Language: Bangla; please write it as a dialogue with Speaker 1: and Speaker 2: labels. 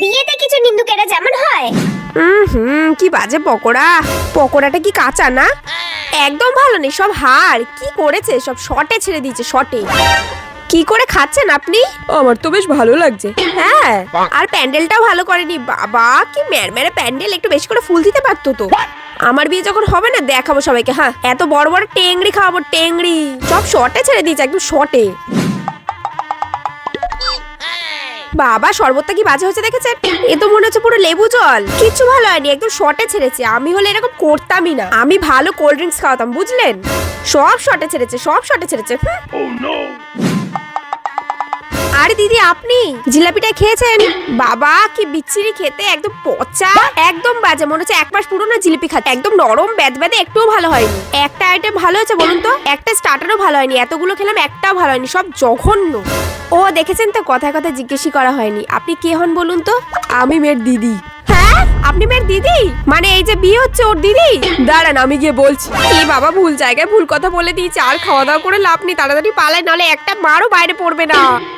Speaker 1: বিয়েতে কিছু নিন্দুকেরা যেমন হয়।
Speaker 2: কি বাজে পকোড়া। পকোড়াটা কি কাঁচা না? একদম ভালো নেই, সব হাড়। কি করেছে, সব শর্টে ছেড়ে দিয়েছে, শর্টে। কি করে খাচ্ছেন আপনি? আমার তো বেশ ভালো লাগছে। হ্যাঁ, আর প্যান্ডেলটাও ভালো করেনি। বাবা কি মেরে প্যান্ডেল, একটু বেশি করে ফুল দিতে পারতো তো। আমার বিয়ে যখন হবে না, দেখাবো সবাইকে। হ্যাঁ, এত বড় বড় টেংরি খাওয়াবো, টেংরি। সব শর্টে ছেড়ে দিয়েছে, একদম শর্টে। বাবা শরবতটা কি বাজে হয়েছে দেখেছেন? এ তো মনে হচ্ছে পুরো লেবু জল। কিছু ভালো হয়নি, একদম শর্টে ছেড়েছে। আমি হলে এরকম করতামই না। আমি ভালো কোল্ড ড্রিঙ্কস খাওয়াতাম, বুঝলেন? সব শর্টে ছেড়েছে, সব শর্টে ছেড়েছে। আরে দিদি, আপনি জিলাপিটা খেয়েছেন? বাবা কি বিচ্ছিরি খেতে, একদম পচা, একদম বাজে। মনে হচ্ছে 1 মাস পুরনো জিলিপি খাচ্ছে। একদম নরম বেদবেদে, একটুও ভালো হয়নি। একটা আইটেম ভালো হয়েছে বলুন তো? একটা স্টার্টারও ভালো হয়নি। এতগুলো খেলাম, একটাও ভালো হয়নি, সব জঘন্য। ও দেখেছেন তো, কথায় কথায় জিজ্ঞেসই করা হয়নি। আপনি কে হন বলুন তো? আমি মেয়ের দিদি। হ্যাঁ, আপনি মেয়ের দিদি? মানে এই যে বিয়ে হচ্ছে ওর দিদি? দাঁড়ান, আমি গিয়ে বলছি। কি বাবা, ভুল জায়গায় ভুল কথা বলে দিয়েছে। আর খাওয়া দাওয়া করে লাভ নেই, তাড়াতাড়ি পালায়, নাহলে একটা মারও বাইরে পড়বে না।